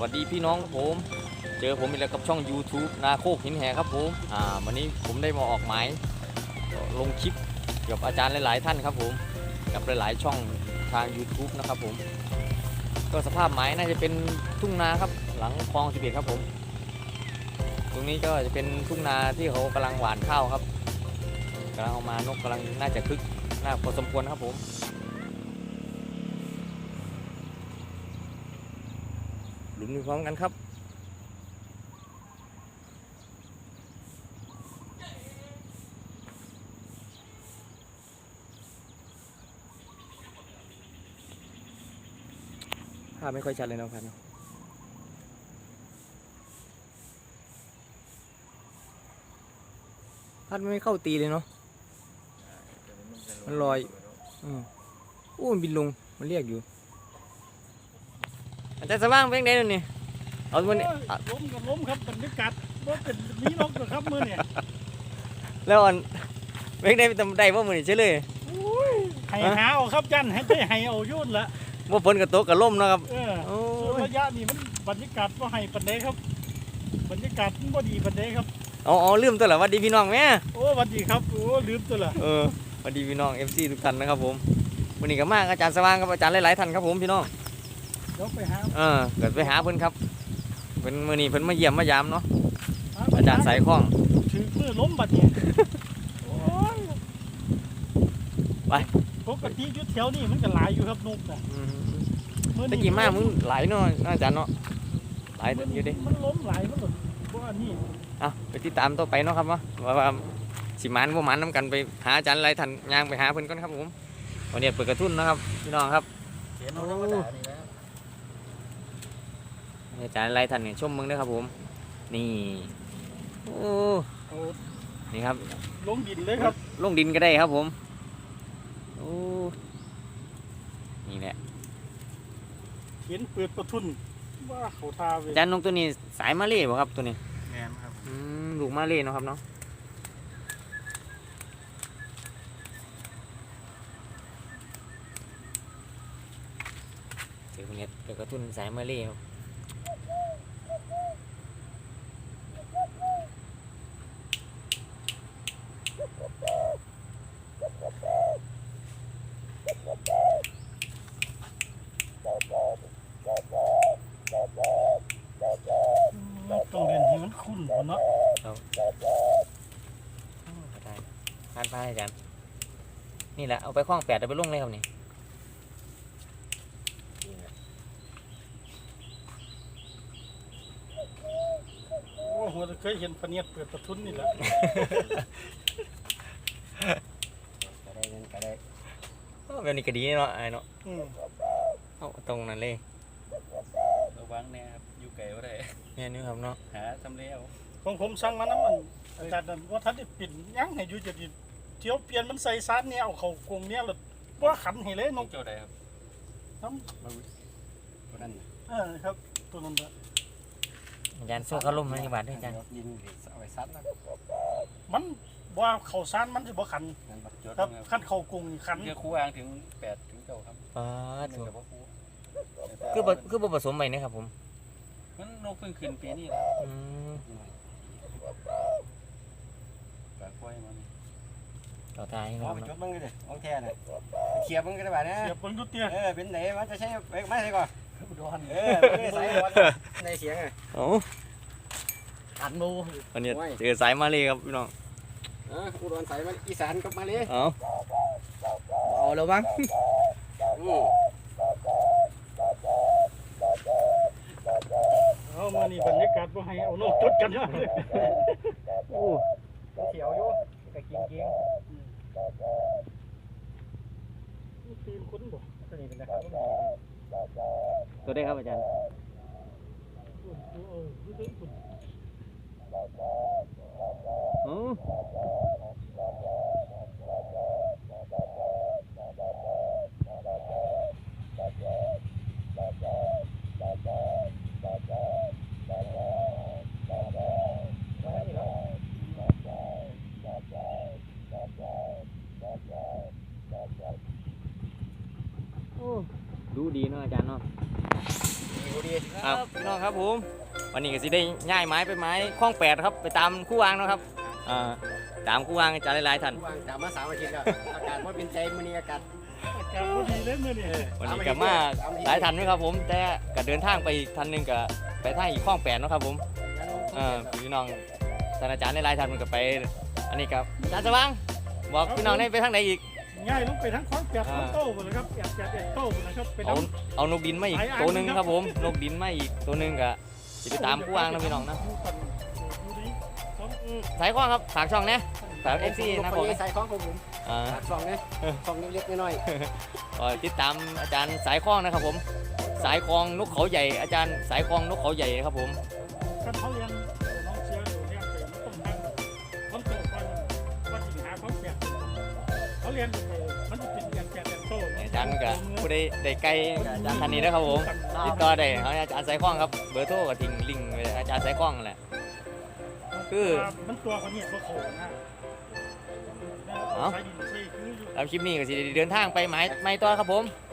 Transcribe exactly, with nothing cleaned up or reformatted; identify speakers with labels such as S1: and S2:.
S1: วัสดีพี่น้องครับผมเจอผมอีกแล้วกับช่อง YouTube นาโคกหินแหครับผมอ่าวันนี้ผมได้มาออกหมายลงคลิปกับอาจารย์หลายๆท่านครับผมกับหลายๆช่องทาง YouTube นะครับผมก็สภาพหมายน่าจะเป็นทุ่งนาครับหลังคลองสิบเอ็ดครับผมตรงนี้ก็จะเป็นทุ่งนาที่เขากำลังหว่านข้าวครับกำลังเอามานกกำลังน่าจะคึกน่าพอสมควรครับผมหลุมพร้อมกันครับภาพไม่ค่อยชัดเลยนะครับพัดไม่เข้าตีเลยเนาะมันลอยอืมอู้มันบินลงมันเรียกอยู่อาจารย์สว่างเป็นไงนั่นนี่เอาตัวนี้
S2: ล้มกับล้มครับบรรยากาศว่าเป็นมีนกกับครับมือเนี่ย
S1: แล้วอันเป็นไงทำได้ว่ามือนี่ใช่เลย
S2: ไห้หาเอาครับจันให้ได้ไห้เอายุ่นละ
S1: ว่าฝนกับโต๊ะกับล่มนะครับ
S2: เออระยะนี้มันบรรยากาศว่าไห้ปันเดครับบรรยากาศมันว่าดีปันเดครับ
S1: อ๋อลืมตัวละวัดดีพี่น้องแม่
S2: โอ้วัดดีครับโอ้ลืมตัวละ
S1: เออวัดดีพี่น้องเอฟซีทุกท่านนะครับผมวันนี้ก็มากอาจารย์สว่างกับอาจารย์หลายๆท่านครับผมพี่น้อง
S2: เดี๋ยวไปหา
S1: เออเกิดไปหาเพิ่นครับเพิ่นมื้อนี้เพิ่นมาเยี่ยมมายามเนาะอาจารย์สายคล้อง
S2: ถือมือล้มบัดเนี่ย
S1: ไป
S2: ปกติยุดแถวนี่มันก็หลายอยู่ครับนกอ่ะ
S1: ตะกี้มากมึงหลายเนาะอาจารย์เนาะหลายอยู่ดิ
S2: มันล้มหลายมันหลุดเพราะว่านี่
S1: อ่ะไปติดตามต่อไปเนาะครับว่าว่าสิมันบ่มันน้ำกันไปหาอาจารย์หลายท่านย่างไปหาเพิ่นก่อนครับผมวันนี้เปิดกระทุ่นนะครับพี่น้องครับอาจารย์หลายท่านเนี่ยชมมึงด้วยครับผมนี่โอ้นี่ครับ
S2: ลงดินเลยครับ
S1: ลงดินก็ได้ครับผมโอ้นี่แหละ
S2: เห็นเปิดประทุนว่าเขาทาเว
S1: อาจารย์นกตัวนี้สายมาเล่บ่ครับตัวนี้
S2: แม่นครับ
S1: อืมลูกมาเล่เนาะครับเนาะเจอคนนี้เจอกระตุ้นสายมาเล่ครับ
S2: ต้องเรียนให้มันคุ้นก่อนเนาะ
S1: ทานพายอาจารย์นี่แหละเอาไปคล้องแปดเอาไปลุ่งเลยครับนี่
S2: โอ้โหเคยเห็นพเนียดเปิดประทุนนี่แหละ
S1: ก็ได้ก็ได้แบบนี้ก็ดีเนาะไอ้เนาะเอาตรงนั้นเลย
S3: ระวังเนี่ยครับอยู่ไกลว่าได้
S1: เนี่ยนี่ครับเนาะ
S3: หาทำเลี้ยว
S2: ของผมสั่งมาน้ำมันอาจารย์ว่าท่านได้ปิ่นยั้งให้อยู่จะดีเที่ยวเปลี่ยนมันใส่ซาดเนี่ยเอาเขากงเนี่ยหรือว่าขันให้เลยนก
S3: เจ้าใดครับ
S2: น้
S3: ำตัวนั้น
S2: เออครับตัวนั้นละ
S1: อาจารย์โซ่เขาลุ่มไหมบาทด้วยอาจารย์
S3: ยินเอาไว้ซัดนะ
S2: มันว่าเขาซานมันจะบ่ขันครับขันเขากงขัน
S3: เยอะคู่อ้างถึงแปดถึงเก้าครับ
S1: ป้า
S3: ถูก
S1: คือคือผสมใหม่นะครับผม
S3: มันนกเพิ่งขึ้นปีนี้แล้วปลาควายมัน
S1: ต่อตายครับ
S3: จุดมึงเลยโอเคเลยเขียบมึงก็ได้แบบนี้
S2: เขียบมึงทุกเตี้ย
S3: เออเป็นไหนมันจะใช้ไม่ใช่ก่อน
S2: อุดร
S3: เออสายวันในเสียงไง
S1: โอ้
S2: อัดมู
S1: อันนี้เจอสายมาเลยครับพี่น้อง
S3: อ่าอุดรสายมันอีสานกับมาเลย
S1: เอาเอาแล้วบ้าง
S2: เอามานี่บรรยากาศว่าให้เอานกจุดกันเนาะ
S1: โอ้
S3: เขียวอยู่กะกินเกี้ยง
S2: ตีนคุ้นบ่
S3: ตัวนี้เป็นนะครับ
S1: ตัวได้ครับอาจารย์โอ้ดูดีเนาะอาจารย์เนาะ
S3: ดูดี
S1: ครับพี่น้องครับผมวันนี้ก็สิได้ย้ายไม้ไปไม้คล้องแปดครับไปตามคู่วางเนาะครับอ่าตามคู่วางอาจารย์หลายๆท่าน
S3: วางจากมาสามอาทิตย์แล้วอากาศว่าเป็นใจมื้อนี้อากาศ
S2: อากาศบ่ดีเลยมื้อนี้
S1: วันนี้ก็มาหลายท่านด้วยครับผมแต่ก็เดินทางไปอีกท่านหนึงก็ไปทางอีกคล้องแปดเนาะครับผมเออพี่น้องท่านอาจารย์หลายๆท่านมันก็ไปอันนี้ครับอาจารย์สว่างบอกพี่น้องได้ไปทางไหนอีก
S2: ง่ายลงไปทั้งคอนแปดคอนโต้หมดเลยครับแปดแปดแปดโต้หมดเลยครับไป
S1: เอา
S2: น้ำ
S1: เอานกดินมาอีกตัวหนึงครับผมนกดินมาอีกตัวหนึงก็จะไปตามคู่วางนะพี่น้องนะ สายคล้องครับฝากช่องเนี่ยฝากเอฟซีนะผม
S3: ใส่ของของผม
S1: อ่า
S3: ฝากซองเนี่ยซองเล็กๆน้อย
S1: ก็ติดตามอาจารย์สายคล้องนะครับผม สายคล้องนกเขาใหญ่อาจารย์สายคล้องนกเขาใหญ่ครับผม
S2: ถ้าเขาเรียนน้องเชียร์อยู่เรียนเป็นต้องทำคอนโต้ก่อนว่าสิหาคอนแปดเขาเรียนมันจะเป็นแปดแปดโต้
S1: อาจารย์ก็ผู้ใดได้ใกล้กับอาจารย์ท่านนี้นะครับผมติดต่อได้เอาอาจารย์สายคล้องครับเบอร์โทรก็ทิ้งลิงก์ไว้อาจารย์สายคล้องนั่นแหละ คือ
S2: มันตัวเขาเนี่ยตัวโขนนะใช้ดินใช้คืออยู่
S1: แล้วคลิปนี้ก็สิได้เดินทางไปไม้ไม้ต่อครับผม
S2: ค